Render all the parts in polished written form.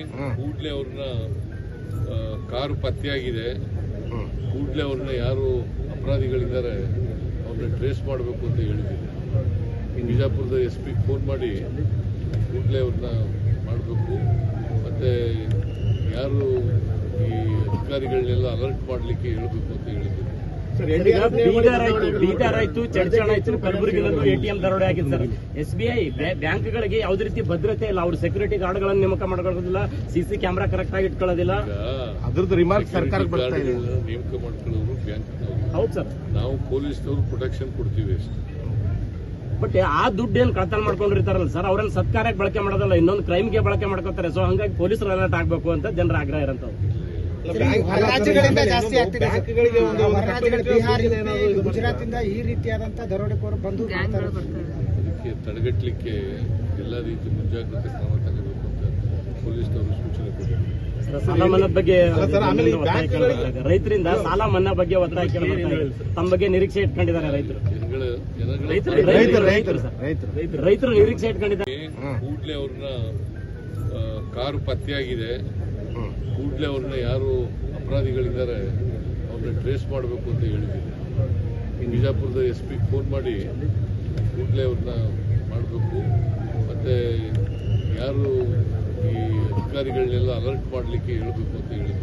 ಕೂಡಲೇ ಅವ್ರನ್ನ ಕಾರು ಪತ್ತೆಯಾಗಿದೆ, ಕೂಡಲೇ ಅವ್ರನ್ನ ಯಾರು ಅಪರಾಧಿಗಳಿದ್ದಾರೆ ಅವ್ರನ್ನ ಟ್ರೇಸ್ ಮಾಡಬೇಕು ಅಂತ ಹೇಳಿದ್ದೀನಿ. ಬಿಜಾಪುರದ SP ಫೋನ್ ಮಾಡಿ ಕೂಡಲೇ ಅವ್ರನ್ನ ಮಾಡಬೇಕು, ಮತ್ತೆ ಯಾರು ಈ ಅಧಿಕಾರಿಗಳನ್ನೆಲ್ಲ ಅಲರ್ಟ್ ಮಾಡಲಿಕ್ಕೆ ಹೇಳಬೇಕು ಅಂತ ಹೇಳಿದ್ದೀನಿ. ಬೀದರ್ ಆಯ್ತು, ಚಡ್ಚಣ ಆಯ್ತು, ಕಲಬುರಗಿನಲ್ಲೂ ATM ದರೋಡೆ ಆಗಿದೆ ಸರ್. SBI ಬ್ಯಾಂಕ್ಗಳಿಗೆ ಯಾವುದೇ ರೀತಿ ಭದ್ರತೆ ಇಲ್ಲ, ಅವ್ರ ಸೆಕ್ಯೂರಿಟಿ ಗಾರ್ಡ್ಗಳನ್ನು ನೇಮಕ ಮಾಡ್ಕೊಳ್ಳೋದಿಲ್ಲ, CC ಕ್ಯಾಮೆರಾ ಕರೆಕ್ಟ್ ಆಗಿ ಇಟ್ಕೊಳ್ಳೋದಿಲ್ಲ. ಅದ್ರದ್ದು ರಿಮಾರ್ಕ್ ಸರ್ಕಾರಕ್ಕೆ ಬರ್ತಾ ಇದೆ. ನೇಮಕ ಮಾಡ್ಕೊಳ್ಳೋರು ಬ್ಯಾಂಕ್. ಹೌದು ಸರ್, ನಾವು ಪೊಲೀಸ್ನವರು ಪ್ರೊಟೆಕ್ಷನ್ ಕೊಡ್ತೀವಿ ಅಷ್ಟೇ. ಬಟ್ ಆ ದುಡ್ಡು ಏನ್ ಕಳ್ತನ ಮಾಡ್ಕೊಂಡಿರ್ತಾರಲ್ಲ ಸರ್, ಅವ್ರನ್ನ ಸತ್ಕಾರ್ಯಕ್ಕೆ ಬಳಕೆ ಮಾಡೋದಲ್ಲ, ಇನ್ನೊಂದು ಕ್ರೈಮ್ಗೆ ಬಳಕೆ ಮಾಡ್ಕೋತಾರೆ. ಸೊ ಹಂಗಾಗಿ ಪೊಲೀಸರು ಅಲರ್ಟ್ ಆಗ್ಬೇಕು ಅಂತ ಜನರ ಆಗ್ರಹ ಇರಂತವ್ರು. ರಾಜ್ಯಗಳಿಂದ ಜಾಸ್ತಿ ಆಗ್ತಿದೆ. ಬಿಹಾರ, ಗುಜರಾತಿಂದ ಈ ರೀತಿಯಾದಂತಹ ದರೋಡೆಕೋರು ಬಂದು ಅದಕ್ಕೆ ತಡೆಗಟ್ಟಲಿಕ್ಕೆ ಎಲ್ಲ ರೀತಿ ಮುಂಜಾಗ್ರತೆ ಕ್ರಮ ತಗೋಬೇಕು ಅಂತ ಪೊಲೀಸ್ನವರು ಸೂಚನೆ ಕೊಟ್ಟಿದ್ದಾರೆ. ಸಾಲ ಮನ್ನಾ ಬಗ್ಗೆ ರೈತರಿಂದ ಸಾಲ ಮನ್ನಾ ಬಗ್ಗೆ ಒತ್ತಾಯ ತಮ್ಮ ಬಗ್ಗೆ ನಿರೀಕ್ಷೆ ಇಟ್ಕೊಂಡಿದ್ದಾರೆ ರೈತರು. ರೈತರು ನಿರೀಕ್ಷೆ ಇಟ್ಕೊಂಡಿದ್ದಾರೆ. ಕೂಡಲೇ ಅವ್ರನ್ನ ಕಾರು ಪತ್ತೆಯಾಗಿದೆ, ಕೂಡಲೇ ಅವ್ರನ್ನ ಯಾರು ಅಪರಾಧಿಗಳಿದ್ದಾರೆ ಅವ್ರನ್ನ ಟ್ರೇಸ್ ಮಾಡಬೇಕು ಅಂತ ಹೇಳಿದ್ದೀನಿ. ಬಿಜಾಪುರದ SP ಫೋನ್ ಮಾಡಿ ಕೂಡಲೇ ಅವ್ರನ್ನ ಮಾಡಬೇಕು, ಮತ್ತೆ ಯಾರು ಈ ಅಧಿಕಾರಿಗಳನ್ನೆಲ್ಲ ಅಲರ್ಟ್ ಮಾಡಲಿಕ್ಕೆ ಹೇಳಬೇಕು ಅಂತ ಹೇಳಿದ್ದೀನಿ.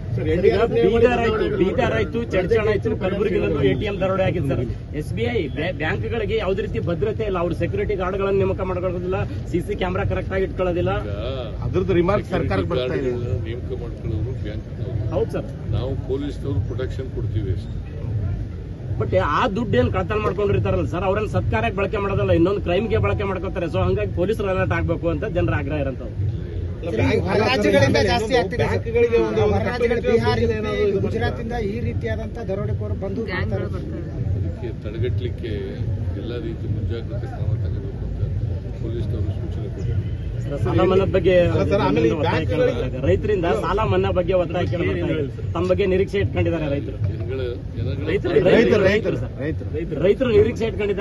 ಬೀದರ್ ಆಯ್ತು, ಚಡ್ಚಣ ಆಯ್ತು, ಕಲಬುರಗಿನಲ್ಲೂ ATM ದರೋಡೆ ಆಗಿದೆ ಸರ್. SBI ಬ್ಯಾಂಕ್ಗಳಿಗೆ ಯಾವುದೇ ರೀತಿ ಭದ್ರತೆ ಇಲ್ಲ, ಅವ್ರ ಸೆಕ್ಯೂರಿಟಿ ಗಾರ್ಡ್ಗಳನ್ನು ನೇಮಕ ಮಾಡ್ಕೊಳ್ಳೋದಿಲ್ಲ, CC ಕ್ಯಾಮೆರಾ ಕರೆಕ್ಟ್ ಆಗಿ ಇಟ್ಕೊಳ್ಳೋದಿಲ್ಲ. ಅದ್ರದ್ದು ರಿಮಾರ್ಕ್ ಸರ್ಕಾರಕ್ಕೆ ಬರ್ತಾ ಇದೆ. ನೇಮಕ ಮಾಡ್ಕೊಳ್ಳೋರು ಬ್ಯಾಂಕ್. ಹೌದು ಸರ್, ನಾವು ಪೊಲೀಸ್ನವರು ಪ್ರೊಟೆಕ್ಷನ್ ಕೊಡ್ತೀವಿ ಅಷ್ಟೇ. ಬಟ್ ಆ ದುಡ್ಡು ಏನ್ ಕಳ್ತನ ಮಾಡ್ಕೊಂಡಿರ್ತಾರಲ್ಲ ಸರ್, ಅವ್ರನ್ನ ಸತ್ಕಾರ್ಯಕ್ಕೆ ಬಳಕೆ ಮಾಡೋದಲ್ಲ, ಇನ್ನೊಂದು ಕ್ರೈಮ್ಗೆ ಬಳಕೆ ಮಾಡ್ಕೋತಾರೆ. ಸೊ ಹಂಗಾಗಿ ಪೊಲೀಸರು ಅಲರ್ಟ್ ಆಗ್ಬೇಕು ಅಂತ ಜನರ ಆಗ್ರಹ ಇರಂತವ್ರು. ರಾಜ್ಯಗಳಿಂದ ಜಾಸ್ತಿ ಆಗ್ತಿದೆ. ಬಿಹಾರ, ಗುಜರಾತಿಂದ ಈ ರೀತಿಯಾದಂತಹ ದರೋಡೆಕೋರು ಬಂದು ಅದಕ್ಕೆ ತಡೆಗಟ್ಟಲಿಕ್ಕೆ ಎಲ್ಲ ರೀತಿ ಮುಂಜಾಗ್ರತೆ ಕ್ರಮ ತಗೋಬೇಕು ಅಂತ ಪೊಲೀಸ್ನವರು ಸೂಚನೆ ಕೊಟ್ಟಿದ್ದಾರೆ. ಸಾಲ ಮನ್ನಾ ಬಗ್ಗೆ ರೈತರಿಂದ ಸಾಲ ಮನ್ನಾ ಬಗ್ಗೆ ಒತ್ತಾಯ ತಮ್ಮ ಬಗ್ಗೆ ನಿರೀಕ್ಷೆ ಇಟ್ಕೊಂಡಿದ್ದಾರೆ ರೈತರು. ಜನಗಳ ರೈತರು ನಿರೀಕ್ಷೆ ಇಟ್ಕೊಂಡಿದ್ದಾರೆ.